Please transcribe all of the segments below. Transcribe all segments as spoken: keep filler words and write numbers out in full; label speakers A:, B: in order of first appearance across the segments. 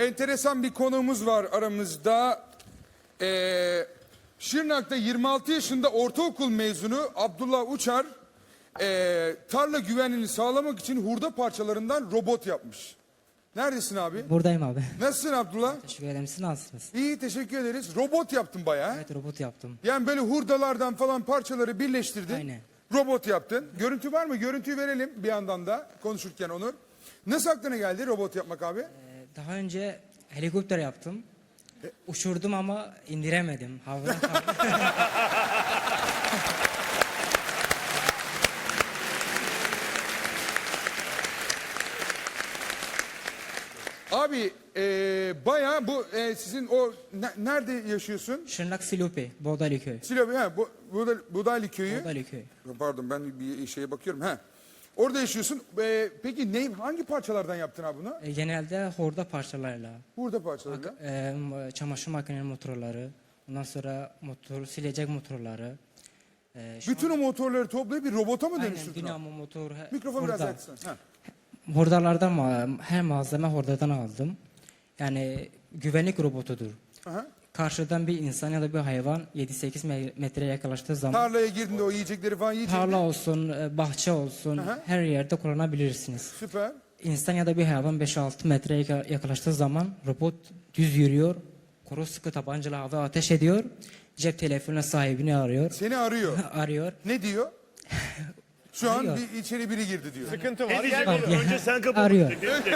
A: enteresan bir konuğumuz var aramızda. Ee, Şırnak'ta yirmi altı yaşında ortaokul mezunu Abdullah Uçar ee, tarla güvenliğini sağlamak için hurda parçalarından robot yapmış. Neredesin abi?
B: Buradayım abi.
A: Nasılsın Abdullah?
B: Teşekkür ederim. Siz nasılsınız?
A: İyi, teşekkür ederiz. Robot yaptın bayağı.
B: Evet, robot yaptım.
A: Yani böyle hurdalardan falan parçaları birleştirdin.
B: Aynen.
A: Robot yaptın. Görüntü var mı? Görüntüyü verelim bir yandan da konuşurken Onur. Nasıl aklına geldi robot yapmak abi?
B: Ee, daha önce helikopter yaptım. Uçurdum ama indiremedim. Havada kaldı.
A: Abi e, bayağı bu e, sizin o ne- nerede yaşıyorsun?
B: Şırnak Silopi, Bodali köy.
A: Silopi, ha, bu, Buda- Budaylı köyü.
B: Bodali köy.
A: Pardon ben bir şeye bakıyorum. Ha. Orada yaşıyorsun. E, peki ne hangi parçalardan yaptın abi bunu?
B: Ee, genelde horda parçalarla.
A: Hurda parçalarıyla.
B: Ee, m- çamaşır makinenin motorları. Ondan sonra motor, silecek motorları. Ee, şu
A: Bütün o motorları toplayıp bir robota mı
B: Aynen,
A: dönüştürdün? abi?
B: dinamo motor. he-
A: Mikrofon biraz
B: hurda.
A: yaksan. Ha.
B: Hordalardan ma- her malzeme hordadan aldım. Yani güvenlik robotudur.
A: Aha.
B: Karşıdan bir insan ya da bir hayvan yedi sekiz me- metreye yaklaştığı zaman
A: Tarlaya girdiğinde o yiyecekleri falan yiyecek.
B: tarla olsun, e, bahçe olsun
A: Aha.
B: her yerde kullanabilirsiniz.
A: Süper.
B: İnsan ya da bir hayvan beş altı metreye yaka- yaklaştığı zaman robot düz yürüyor. Kuru sıkı tabancalı hava ateş ediyor. Cep telefonuna sahibini arıyor.
A: Seni arıyor.
B: Arıyor.
A: Ne diyor? Şu an
B: Arıyor.
A: bir içeri biri girdi diyor.
C: Sıkıntı var.
D: Ne diyecek
C: Gel
D: oğlum? Önce sen kapat.
B: Arıyor.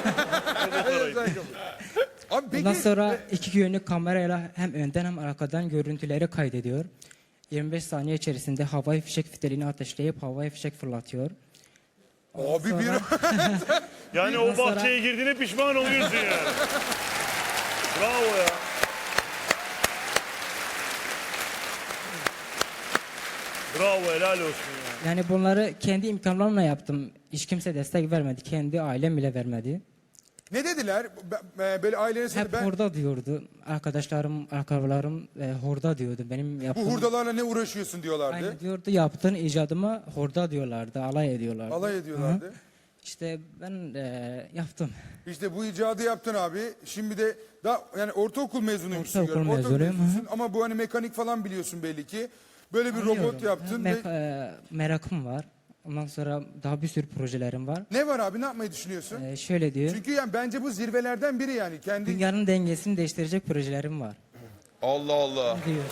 A: Abi peki
B: Ondan sonra iki yönlü kamerayla hem önden hem arkadan görüntüleri kaydediyor. yirmi beş saniye içerisinde havai fişek fitilini ateşleyip havai fişek fırlatıyor.
A: abi bir
B: Sonra-
D: Yani
B: Ondan
D: o
B: sonra-
D: bahçeye girdiğine pişman oluyorsun yani. Bravo ya. Bravo, helal olsun ya.
B: Yani bunları kendi imkanlarımla yaptım. Hiç kimse destek vermedi. Kendi ailem bile vermedi.
A: ne dediler? Be- Böyle ailene
B: Hep
A: ben
B: horda diyordu. Arkadaşlarım, akrabalarım e, horda diyordu. Benim
A: bu
B: yaptığım...
A: hurdalarla ne uğraşıyorsun diyorlardı.
B: Aynı diyordu, yaptığın icadıma horda diyorlardı, alay ediyorlardı.
A: Alay ediyorlardı.
B: Hı. İşte ben e, yaptım.
A: İşte bu icadı yaptın abi. Şimdi de daha yani ortaokul mezunuymuşsun.
B: Ortaokul
A: görüyorum.
B: mezunuyum,
A: mezunusun ama bu hani mekanik falan biliyorsun belli ki. Böyle bir robot
B: Anlıyorum.
A: yaptın.
B: Me-
A: ve-
B: e, merakım var. Ondan sonra daha bir sürü projelerim var.
A: Ne var abi, ne yapmayı düşünüyorsun?
B: E, şöyle diyor.
A: Çünkü yani bence bu zirvelerden biri yani. Kendi
B: Dünyanın dengesini değiştirecek projelerim var.
A: Allah Allah.
B: Diyor.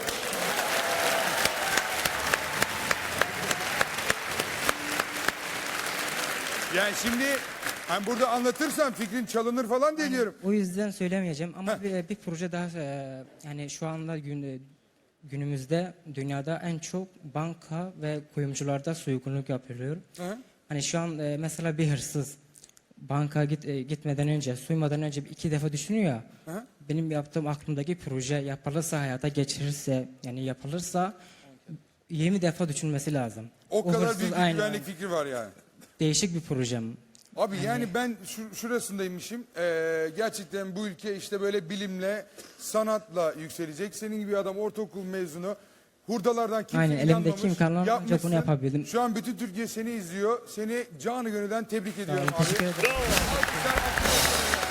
A: Yani şimdi hani burada anlatırsan fikrin çalınır falan diye diyorum.
B: O yüzden söylemeyeceğim ama bir, bir proje daha e, yani şu anda gün, günümüzde dünyada en çok banka ve kuyumcularda soygunluk yapılıyor.
A: Hı.
B: Hani şu an e, mesela bir hırsız banka git, e, gitmeden önce, soymadan önce bir iki defa düşünüyor ya.
A: Hı.
B: Benim yaptığım aklımdaki proje yapılırsa, hayata geçirirse, yani yapılırsa yirmi defa düşünmesi lazım.
A: O, kadar
B: hırsız
A: büyük bir
B: aynen,
A: güvenlik fikri var yani.
B: değişik bir projem.
A: Abi yani ben şu, şurasındaymışım. Ee, gerçekten bu ülke işte böyle bilimle, sanatla yükselecek. Senin gibi bir adam ortaokul mezunu. Hurdalardan kimse
B: Aynen, elimdeki
A: inanmamış.
B: imkanlarla ancak
A: Yapmışsın.
B: bunu yapabildim.
A: Şu an bütün Türkiye seni izliyor. Seni canı gönülden tebrik ediyorum abi.
B: Teşekkür ederim.
D: Bravo.
A: Alkışlar, alkışlar.